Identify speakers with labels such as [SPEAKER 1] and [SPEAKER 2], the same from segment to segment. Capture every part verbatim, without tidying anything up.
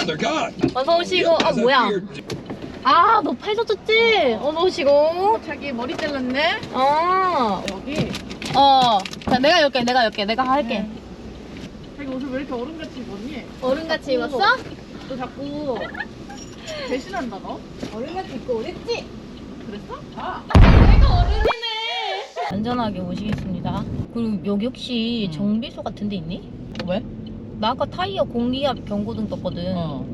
[SPEAKER 1] 어서 오시고. 아 뭐야? 아 너 팔 다쳤지? 어서 오시고.
[SPEAKER 2] 자기 머리 잘랐네?
[SPEAKER 1] 어.
[SPEAKER 2] 여기.
[SPEAKER 1] 어. 자 내가 열게 내가 열게 내가 할게.
[SPEAKER 2] 자기 옷을 왜 이렇게 어른같이 입었니?
[SPEAKER 1] 어른같이 입었어?
[SPEAKER 2] 너 자꾸 배신한다 너?
[SPEAKER 1] 어른같이 입고 오랬지?
[SPEAKER 2] 그랬어? 아.
[SPEAKER 1] 내가 어른이네. 안전하게 모시겠습니다. 그리고 여기 혹시 정비소 같은 데 있니?
[SPEAKER 2] 왜?
[SPEAKER 1] 나 아까 타이어 공기압 경고등 떴거든.
[SPEAKER 2] 어.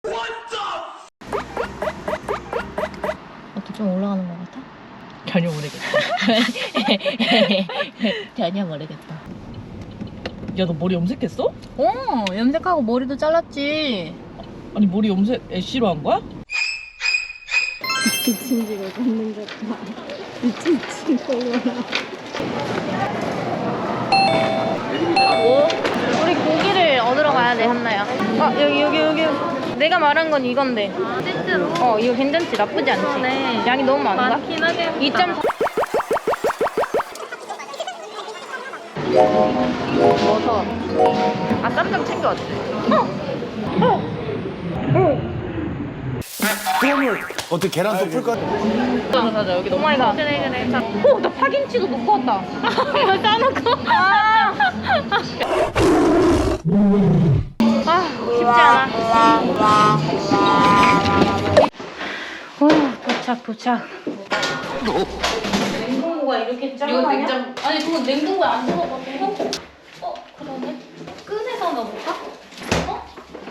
[SPEAKER 1] 어떻게 좀 올라가는 것 같아?
[SPEAKER 2] 전혀 모르겠다.
[SPEAKER 1] 전혀 모르겠다.
[SPEAKER 2] 야, 너 머리 염색했어?
[SPEAKER 1] 어, 염색하고 머리도 잘랐지.
[SPEAKER 2] 아니, 머리 염색 애쉬로 한 거야?
[SPEAKER 1] 미친 지가 걷는 것 봐. 미친 지가 뭐? 우리 고기를 얻으러 가야 돼, 한나야. 아, 여기, 여기, 여기. 내가 말한 건 이건데.
[SPEAKER 3] 아, 실제로?
[SPEAKER 1] 어, 이거 괜찮지? 나쁘지 않지?
[SPEAKER 3] 네.
[SPEAKER 1] 양이 너무 많은가?
[SPEAKER 3] 많긴 하겠다.
[SPEAKER 1] 이 점 사. 버섯. 아, 쌈장 챙겨왔지?
[SPEAKER 4] 그러면 어떻게 계란 또 풀까?
[SPEAKER 1] 하나 사자. 여기 너무 많이 가.
[SPEAKER 3] 그래, 그래. 자,
[SPEAKER 1] 오, 나 파김치도 놓고 왔다. 이거 싸놓고. 아. 아, 쉽지 않아. 어, 도착, 도착. 냉동고가 이렇게 작아?
[SPEAKER 2] 이거 냉장-
[SPEAKER 1] 아니, 그건 냉동고에 안 들어가거든. 어, 그러네. 끈에서 넣어볼까? 어?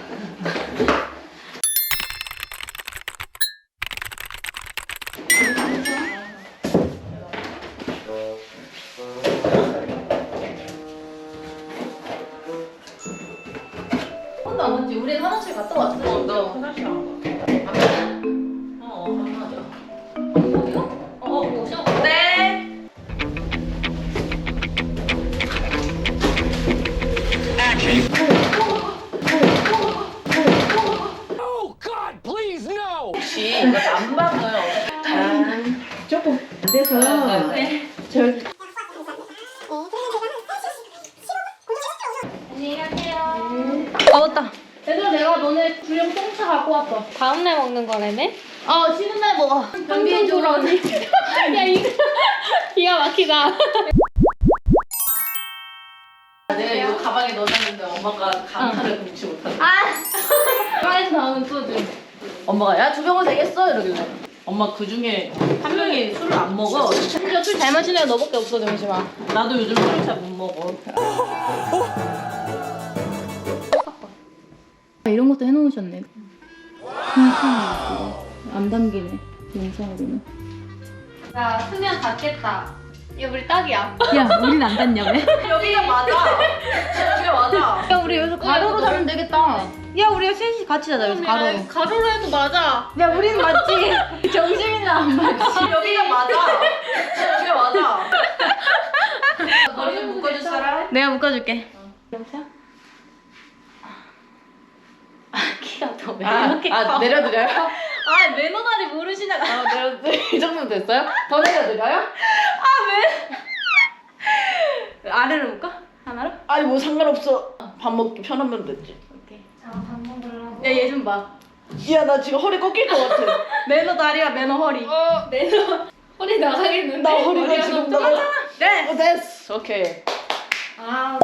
[SPEAKER 1] 한 번도 안 왔지? 우린 화장실 갔다 왔어.
[SPEAKER 2] 어, 너 화장실 안 가.
[SPEAKER 1] 어, 안 맞아. 어디요? 어, 오셔.
[SPEAKER 2] 네. 혹시 이거 안 막아요?
[SPEAKER 5] 조금 안 돼서
[SPEAKER 1] 네.
[SPEAKER 5] 저
[SPEAKER 1] 안녕히 가세요. 아, 맞다. 얘들아, 내가 너네 주령 똥차 갖고 왔어.
[SPEAKER 3] 다음날 먹는 거라네?
[SPEAKER 1] 어, 쉬는 날 먹어.
[SPEAKER 3] 변비에 좋은.
[SPEAKER 1] 야, 이거.
[SPEAKER 3] 기가 막히다.
[SPEAKER 2] 내가 이거 가방에 넣어놨는데 엄마가 감탄을 금치 못하네.
[SPEAKER 1] 아! 가방에서 나오는 소주.
[SPEAKER 2] 엄마가 야, 두 병은 되겠어? 이러길래. 엄마 그 중에 한 명이 술을 안 먹어.
[SPEAKER 1] 심지어 술 잘 마시는 애 너밖에 없어, 정심아.
[SPEAKER 2] 나도 요즘 술을 잘 못 먹어.
[SPEAKER 1] 이런 것도 해놓으셨네. 안 담기네, 영상으로는.
[SPEAKER 3] 자, 수면 닿겠다. 이거 우리 딱이야.
[SPEAKER 1] 야, 우린 안 닿냐, 왜?
[SPEAKER 2] 여기가 맞아. 여기가 맞아.
[SPEAKER 1] 야, 우리 여기서 가로로
[SPEAKER 3] 이거
[SPEAKER 1] 자면 되겠다. 야, 우리 셋이 같이 자자, 여기서 가로로.
[SPEAKER 3] 가로로 해도 맞아.
[SPEAKER 1] 야, 우리는 맞지? 정심이나 안 맞지?
[SPEAKER 2] 여기가 맞아. 여기가 맞아. 머리 좀 묶어줄 사람?
[SPEAKER 1] 내가 묶어줄게. 여보세요? 아, 키가 더 왜
[SPEAKER 2] 아,
[SPEAKER 1] 이렇게
[SPEAKER 2] 아
[SPEAKER 1] 커?
[SPEAKER 2] 내려드려요?
[SPEAKER 1] 아, 매너다리 모르시나?
[SPEAKER 2] 아, 내려드려요? 이 정도 됐어요? 더 내려드려요?
[SPEAKER 1] 아래로 묶어? 하나로?
[SPEAKER 2] 아니 뭐 상관없어. 밥 먹기 편하면 됐지.
[SPEAKER 1] 오케이.
[SPEAKER 3] 자, 밥 먹으려고.
[SPEAKER 1] 야, 얘 좀 봐.
[SPEAKER 2] 야, 나 지금 허리 꺾일 것 같아.
[SPEAKER 1] 매너 다리야, 매너 허리.
[SPEAKER 3] 어, 내려. 허리 나가겠는데?
[SPEAKER 2] 나 허리가
[SPEAKER 3] 머리가
[SPEAKER 2] 지금
[SPEAKER 3] 너무
[SPEAKER 2] 나가.
[SPEAKER 1] 네!
[SPEAKER 2] 어, 됐어. 오케이.
[SPEAKER 3] 아,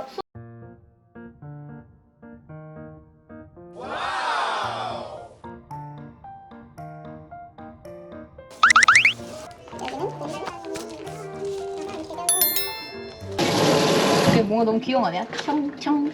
[SPEAKER 1] 이게 뭔가 너무 귀여운 거 아니야? 청청청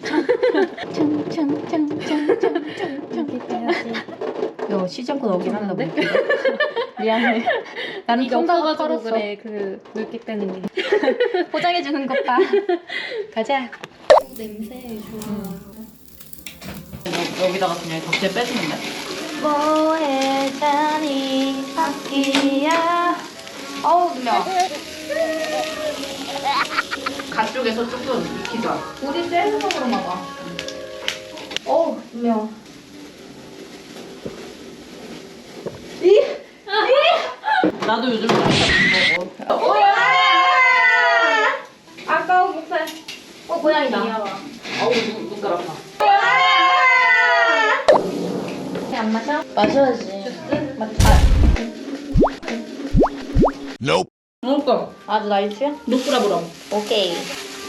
[SPEAKER 1] 청청청청청청청
[SPEAKER 3] 이렇게 돼야지.
[SPEAKER 1] 야, 쉬지 않고 나오긴 한다. 미안해. 나는
[SPEAKER 3] 이게
[SPEAKER 1] 평가가
[SPEAKER 3] 없어가지고
[SPEAKER 1] 털었어.
[SPEAKER 3] 그래. 그 물기 빼는 게.
[SPEAKER 1] 포장해주는 것 봐. 가자.
[SPEAKER 3] 냄새 좋아.
[SPEAKER 2] 여, 여기다가 그냥 덕지에 빼주면 돼.
[SPEAKER 1] 뭐해 자니 바퀴야. 어우, 누명.
[SPEAKER 2] 간 쪽에서 조금 익히자.
[SPEAKER 1] 우리 센서 그런가 봐. 어우, 누명.
[SPEAKER 2] 나도 요즘 술을 잘 못 먹어.
[SPEAKER 1] 아까워, 목살. 어, 고양이다.
[SPEAKER 3] 귀여워.
[SPEAKER 2] 아우, 눈, 눈 깔았다.
[SPEAKER 1] 마셔야지. 맞다.
[SPEAKER 4] Nope.
[SPEAKER 2] 그러니까
[SPEAKER 1] 아주 나이스야?
[SPEAKER 2] 노꾸라보람.
[SPEAKER 1] 오케이.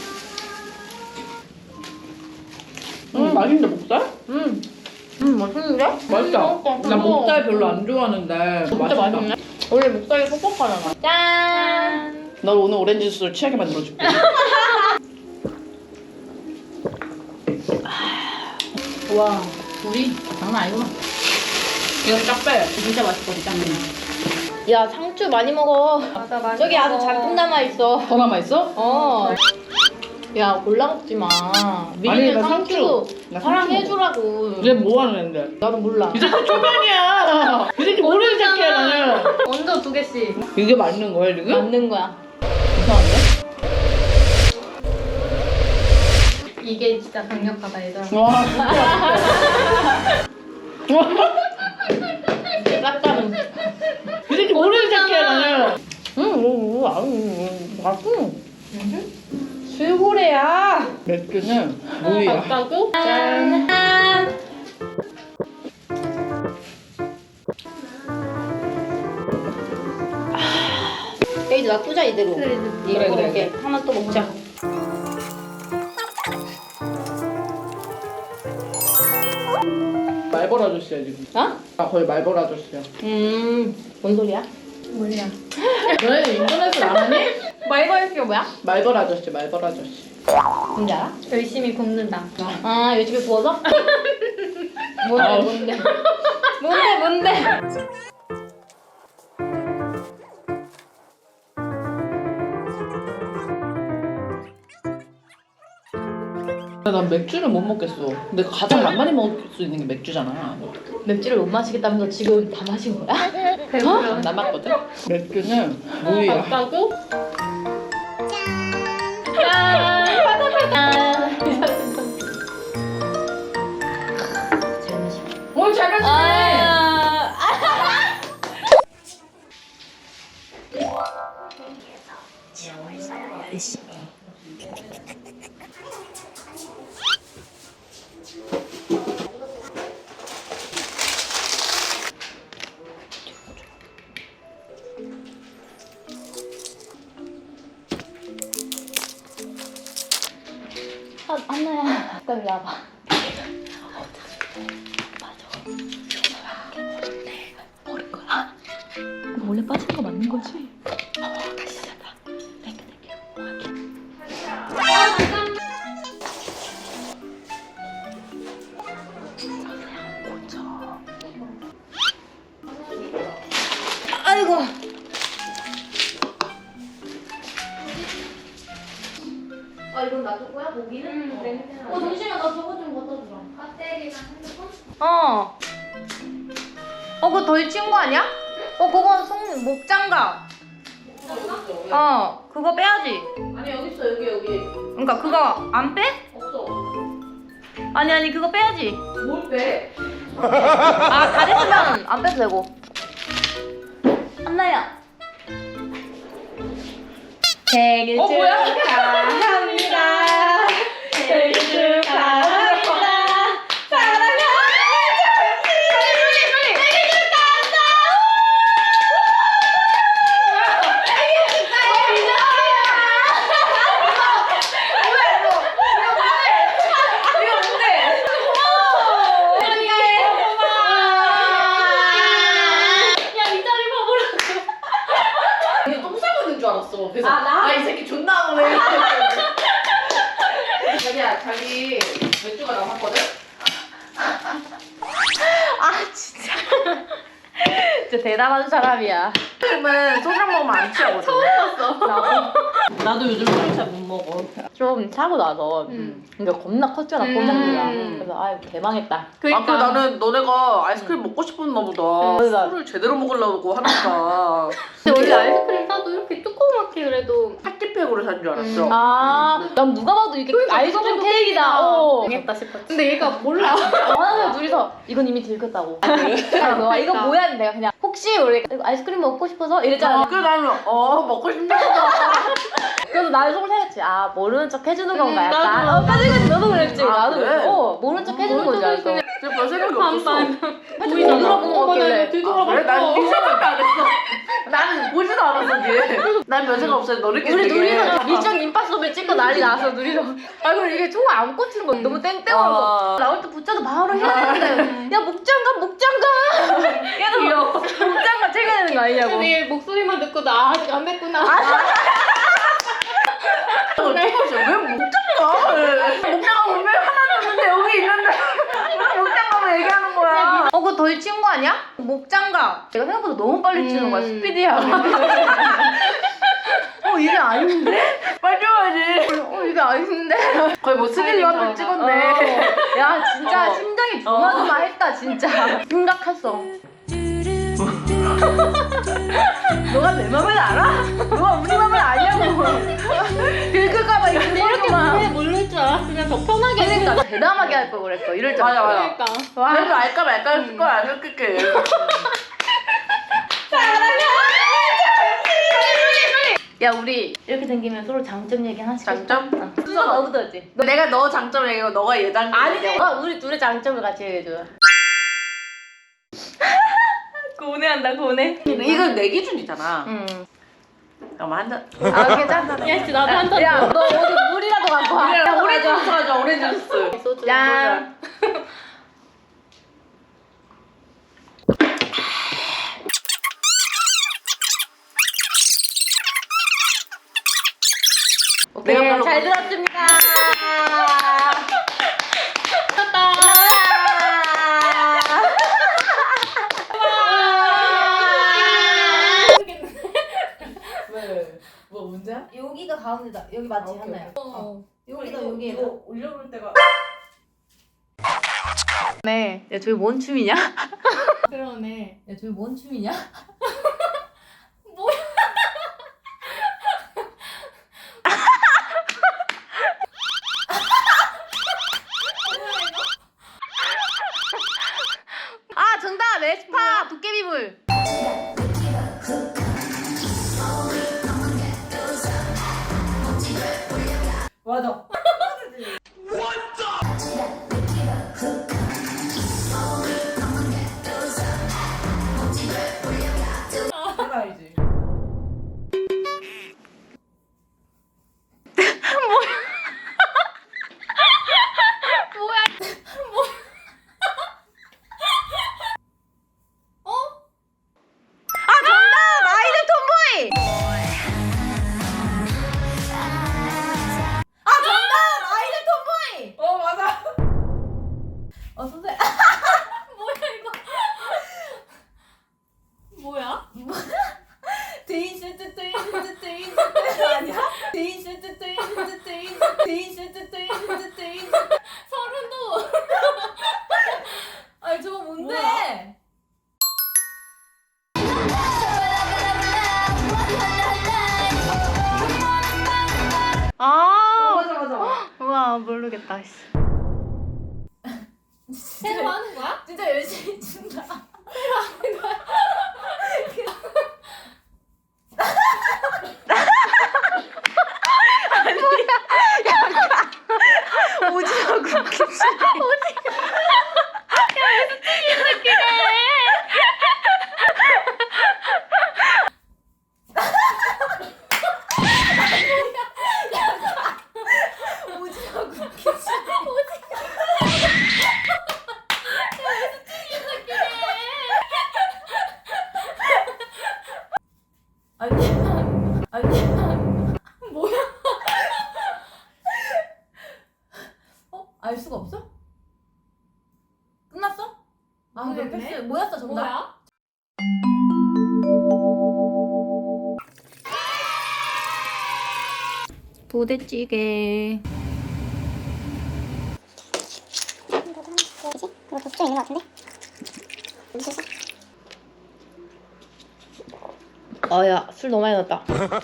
[SPEAKER 2] 음 맛있는데 목살?
[SPEAKER 1] 음. 음, 맛있는데?
[SPEAKER 2] 맛있다.
[SPEAKER 1] 맛있다.
[SPEAKER 2] 나 목살 별로 안 좋아하는데
[SPEAKER 1] 진짜
[SPEAKER 2] 맛있다.
[SPEAKER 1] 맛있네. 원래 목살이 퍽퍽하잖아. 짠!
[SPEAKER 2] 널 오늘 오렌지 주스를 취하게 만들어줄게.
[SPEAKER 1] 와, 우리 장난 아니구나.
[SPEAKER 2] 이거 쫙 빼.
[SPEAKER 1] 진짜 맛있거든, 짱. 야, 상추 많이 먹어.
[SPEAKER 3] 맞아 많이
[SPEAKER 1] 저기 아주
[SPEAKER 3] 먹어.
[SPEAKER 1] 잔뜩 남아있어.
[SPEAKER 2] 더 남아있어?
[SPEAKER 1] 어. 야, 골라 먹지 마.
[SPEAKER 2] 아니,
[SPEAKER 1] 미리는
[SPEAKER 2] 나
[SPEAKER 1] 상추,
[SPEAKER 2] 상추. 나
[SPEAKER 1] 사랑해주라고.
[SPEAKER 2] 얘 뭐 하는 애인데?
[SPEAKER 1] 나도 몰라.
[SPEAKER 2] 이 새끼 초면이야. 이 새끼 모르는 새끼야 나는.
[SPEAKER 3] 먼저 두 개씩.
[SPEAKER 2] 이게 맞는 거야 지금?
[SPEAKER 1] 맞는 거야.
[SPEAKER 2] 이상한데?
[SPEAKER 3] 이게 진짜 강력하다 얘들아.
[SPEAKER 2] 와 진짜.
[SPEAKER 1] 쌉다는.
[SPEAKER 2] 이 새끼 모르는 새끼야 나는. 응, 뭐, 뭐, 아우, 맛있어.
[SPEAKER 1] 술고래야.
[SPEAKER 2] 맥주는 무이야.
[SPEAKER 1] 맞다고? 짠. 이제 놔두자 이대로.
[SPEAKER 3] 그래,
[SPEAKER 1] 이거
[SPEAKER 2] 그래, 그래,
[SPEAKER 1] 먹게. 하나 또 먹자.
[SPEAKER 2] 말벌 아저씨야 지금.
[SPEAKER 1] 어?
[SPEAKER 2] 아 거의 말벌 아저씨야.
[SPEAKER 1] 음, 뭔 소리야?
[SPEAKER 3] 뭐야?
[SPEAKER 2] 너네 인터넷을 안 하니?
[SPEAKER 1] 말벌스가 뭐야?
[SPEAKER 2] 말벌 아저씨, 말벌 아저씨.
[SPEAKER 1] 뭔지 알아?
[SPEAKER 3] 열심히 굽는다.
[SPEAKER 1] 아, 요즘에 구워서? 뭔데,
[SPEAKER 2] 아우.
[SPEAKER 1] 뭔데? 뭔데, 뭔데?
[SPEAKER 2] 난 맥주를 못 먹겠어. 근데 가장 많이 먹을 수 있는 게 맥주잖아.
[SPEAKER 1] 맥주를 못 마시겠다면서 지금 다 마신 거야?
[SPEAKER 3] 배불러.
[SPEAKER 2] 남았거든? 맥주는 무이야.
[SPEAKER 1] 맞다고? 짠! 바다 바다! 잘 마시고.
[SPEAKER 2] 뭘 잘했어!
[SPEAKER 1] 아, 아, 안나야. 나 이리 와봐. 버린 거야. 이거 원래 빠진 거 맞는 거지? 어, 다시 하자. 땡겨, 땡겨. 아이고. 아, 이건 놔둘 거야? 고기는?
[SPEAKER 3] 응, 냄새 나.
[SPEAKER 1] 어, 잠시만. 나 저거 좀 갖다 주라.
[SPEAKER 3] 배터리랑 핸드폰?
[SPEAKER 1] 어. 어, 그거 덜 친 거 아니야? 어, 그거 속, 목장갑. 어, 그거 빼야지.
[SPEAKER 2] 아니 여기 있어 여기 여기.
[SPEAKER 1] 그러니까 그거 안 빼?
[SPEAKER 2] 없어.
[SPEAKER 1] 아니, 아니, 그거 빼야지.
[SPEAKER 2] 뭘 빼?
[SPEAKER 1] 아, 다 됐으면 안 빼도 되고. 안나야. 생일
[SPEAKER 2] 어, 뭐야?
[SPEAKER 1] 축하합니다. 생일 축하합니다. 사랑하는 정씨. 생일 축하한다. 생일 축하합니다. 뭐야 이거? 이거 뭔데? 고마워. 축하해. 야, 이 자리 봐보라고.
[SPEAKER 2] 얘 똥 싸고 있는 줄 알았어. 그래서
[SPEAKER 1] 아, 나?
[SPEAKER 2] 아, 이 새끼 존나 안 오네. 자기야 자기 맥주가 남았거든?
[SPEAKER 1] 아, 진짜. 진짜 대단한 사람이야.
[SPEAKER 2] 요즘은 소주 먹으면 안 취하거든.
[SPEAKER 1] 처음 봤어. 나도
[SPEAKER 2] 나도 요즘 술 잘 못 먹어.
[SPEAKER 1] 좀 사고 나서
[SPEAKER 3] 음.
[SPEAKER 1] 그러니까 겁나 컸잖아,
[SPEAKER 3] 음.
[SPEAKER 1] 포장기가. 그래서 아유, 개망했다.
[SPEAKER 2] 아, 그 나는 너네가 아이스크림 먹고 싶었나 보다.
[SPEAKER 1] 그러니까.
[SPEAKER 2] 술을 제대로 먹으려고 하니까
[SPEAKER 3] 근데 원래 아이스크림 사도 이렇게 조그맣게 그래도
[SPEAKER 2] 파티팩으로 산 줄 알았어.
[SPEAKER 3] 음.
[SPEAKER 1] 아, 난 누가 봐도 이렇게 아이스크림
[SPEAKER 3] 누가 봐도
[SPEAKER 1] 케이크다. 어.
[SPEAKER 3] 당했다 싶었지. 근데 얘가 몰라.
[SPEAKER 1] 하나 둘이서 이건 이미 들켰다고. 그래서 이거 뭐야? 했는데 내가 그냥 혹시 우리 아이스크림 먹고 싶어서 이랬잖아.
[SPEAKER 2] 그래 나는 어 먹고 싶나 보다.
[SPEAKER 1] 그래서 나는 속을 생각했지. 아, 모르는 척 해주는 건가
[SPEAKER 3] 음,
[SPEAKER 1] 약간.
[SPEAKER 3] 나도.
[SPEAKER 1] 어, 까지까지 너도 그랬지.
[SPEAKER 2] 아,
[SPEAKER 1] 나도
[SPEAKER 2] 그래?
[SPEAKER 1] 그랬어. 어, 모르는 척 해주는
[SPEAKER 3] 모르는
[SPEAKER 1] 건줄
[SPEAKER 3] 척
[SPEAKER 1] 알았어.
[SPEAKER 2] 지금 별 생각이 없었어.
[SPEAKER 3] 보이잖아.
[SPEAKER 2] 뒤돌아본 거 같길래.
[SPEAKER 3] 뒤돌아봤어.
[SPEAKER 2] 아, 그래? 난네 생각도 안 했어. 나는 보지도 않았어 뒤에. 난별 생각 없어. 너네끼리
[SPEAKER 3] 우리
[SPEAKER 2] 되게.
[SPEAKER 3] 누리서 미션 임파서블 찍고 난리 나서 누리서. 아 그리고 이게 총 안 꽂히는 거 너무 땡땡하고
[SPEAKER 2] 어.
[SPEAKER 3] 나올 때 붙여도 바로 해야 되는데 야 목장갑 목장갑.
[SPEAKER 2] 얘도 귀여워.
[SPEAKER 3] 목장갑 챙겨야 되는 거 아니냐고.
[SPEAKER 5] 근데 목소리만 듣고 나 아직 안 됐구나.
[SPEAKER 2] 너 찍었어. 왜 목장가? 목장가 분명히 하나 줬는데 여기 있는데 왜 목장가만 얘기하는 거야?
[SPEAKER 3] 어 그거 덜 친 거 아니야? 목장갑. 내가 생각보다 너무 빨리 치는 거야. 스피디야. 어 이게 아닌데?
[SPEAKER 2] 빨리 줘야지.
[SPEAKER 3] 어 이게 아닌데?
[SPEAKER 2] 거의 뭐 스릴러 한번 찍었네.
[SPEAKER 3] 어. 야 진짜
[SPEAKER 2] 어.
[SPEAKER 3] 심장이 조마조마했다 진짜. 심각했어.
[SPEAKER 2] 너가 내 맘을 알아? 너가 우리 맘을 아냐고. 긁을까봐 이렇게
[SPEAKER 5] 이렇게
[SPEAKER 2] 막.
[SPEAKER 5] 분명히 모를 줄 알았으면 더 편하게 했을
[SPEAKER 3] 그러니까 대담하게 할 걸 그랬어. 이럴 줄
[SPEAKER 2] 맞아,
[SPEAKER 3] 알았어.
[SPEAKER 2] 맞아.
[SPEAKER 5] 그러니까.
[SPEAKER 3] 와.
[SPEAKER 2] 그래도 알까 말까 했을 거야. 안 긁을게.
[SPEAKER 3] 야 우리 이렇게 생기면 서로 장점 얘기 하나씩
[SPEAKER 2] 장점?
[SPEAKER 3] 어. 순서 너부터 하지.
[SPEAKER 2] 내가 너 장점 얘기하고 너가 얘 장점
[SPEAKER 3] 아니지.
[SPEAKER 2] 얘기하고.
[SPEAKER 3] 어, 우리 둘의 장점을 같이 얘기해줘. 고뇌한다 고뇌.
[SPEAKER 2] 이건 내 기준이잖아.
[SPEAKER 3] 응.
[SPEAKER 2] 잠깐만 한 잔.
[SPEAKER 3] 아 괜찮아.
[SPEAKER 5] 야, 씨, 나도 한 잔.
[SPEAKER 3] 야 너 어디 물이라도 갖고 와.
[SPEAKER 2] 야,
[SPEAKER 3] 야,
[SPEAKER 2] 오렌지 주스 가져. 오렌지 주스.
[SPEAKER 5] 소주.
[SPEAKER 3] 짠.
[SPEAKER 2] 내가
[SPEAKER 3] 네,
[SPEAKER 2] 별로
[SPEAKER 3] 잘
[SPEAKER 2] 모르-
[SPEAKER 3] 들었습니다.
[SPEAKER 2] 왜? 뭐 문제야?
[SPEAKER 3] 여기가 가운데다. 여기 맞지
[SPEAKER 2] 오케이,
[SPEAKER 3] 하나요?
[SPEAKER 2] 오케이.
[SPEAKER 3] 어. 여기다
[SPEAKER 2] 이거-
[SPEAKER 3] 여기에다.
[SPEAKER 2] 이거 올려볼 때가.
[SPEAKER 3] 네. 야 저기 뭔 춤이냐?
[SPEAKER 5] 그러네.
[SPEAKER 3] 야 저기 뭔 춤이냐? 아 정답 에스파 도깨비불.
[SPEAKER 2] 맞아. 내가 알지.
[SPEAKER 3] 아 정답 아이들 톰보이. 아 정답 아이들 톰보이.
[SPEAKER 2] 어 맞아.
[SPEAKER 3] 어 선생.
[SPEAKER 5] 뭐야?
[SPEAKER 3] 데이슈트 데이슈트 데이슈트 아니야? 데이슈트 데이슈트 데이슈트 데이슈트 데이슈트 데이슈트.
[SPEAKER 5] 서른도.
[SPEAKER 3] 아니 저거 뭔데?
[SPEAKER 5] 뭐야?
[SPEAKER 3] 아
[SPEAKER 2] 맞아 맞아.
[SPEAKER 3] 우와 모르겠다.
[SPEAKER 5] 새로 하는 거야?
[SPEAKER 3] 진짜 열심히 춘다. 오지랖 웃기지. 오지랖 웃기지. 아니야. 아니야.
[SPEAKER 5] 뭐야?
[SPEAKER 3] 어? 알 수가 없어? 끝났어? 아 그럼
[SPEAKER 5] 모르겠네.
[SPEAKER 3] 패스. 뭐였어 정답?
[SPEAKER 5] 뭐야?
[SPEAKER 3] 부대찌개.
[SPEAKER 6] 이거 독점 있는 것 같은데?
[SPEAKER 3] 아야 술 너무 많이 넣었다.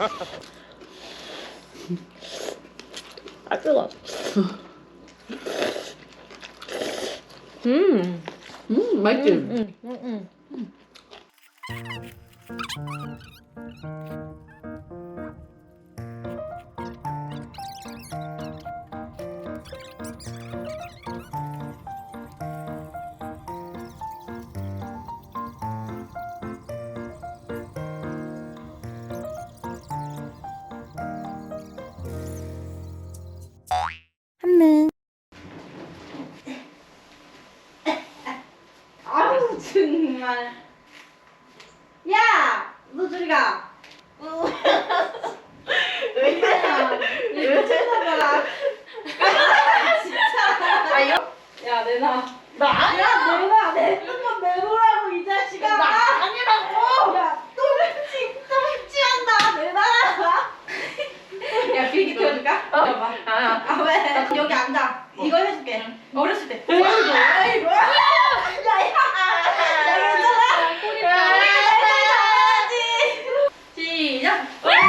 [SPEAKER 3] 아 뜨거. 음.
[SPEAKER 2] 음 맛있지.
[SPEAKER 3] 음, 음, 음.
[SPEAKER 2] 정말. 야! 너 저리 가. 왜 그러냐? 왜 쳐다봐? 진짜. 아 이거?
[SPEAKER 3] 야 내놔.
[SPEAKER 2] 나 아니야. 내가 내 핸드폰 내놓으라고 이 자식아. 나 아니라고. 야, 또 훔치, 또 훔치한다. 내놔라. 야, 비행기 태워줄까? 어. 봐봐.
[SPEAKER 3] 아,
[SPEAKER 2] 아 왜? 여기 앉아. 이거 해줄게. 어렸을 때. 보여줘. 아이고. 야, 야. 야, 괜찮아.
[SPEAKER 5] 꼬리
[SPEAKER 2] 야,
[SPEAKER 5] 다
[SPEAKER 2] 잘해야지. 시작.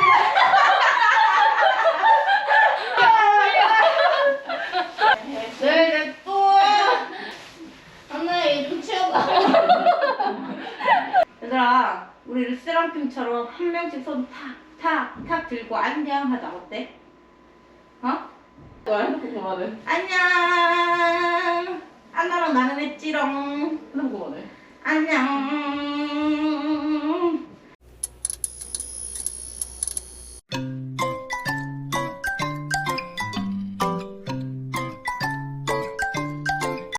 [SPEAKER 2] 네, 또. 하나 얘좀 치워봐. 얘들아, 우리 르세랑팀처럼 한 명씩 손 탁, 탁, 탁 들고 안녕 하자. 어때? 어?
[SPEAKER 3] 너 핸드폰 그만해.
[SPEAKER 2] 안녕. 안나랑 나는 했지롱.
[SPEAKER 3] 핸드폰 그만해.
[SPEAKER 2] 안녕.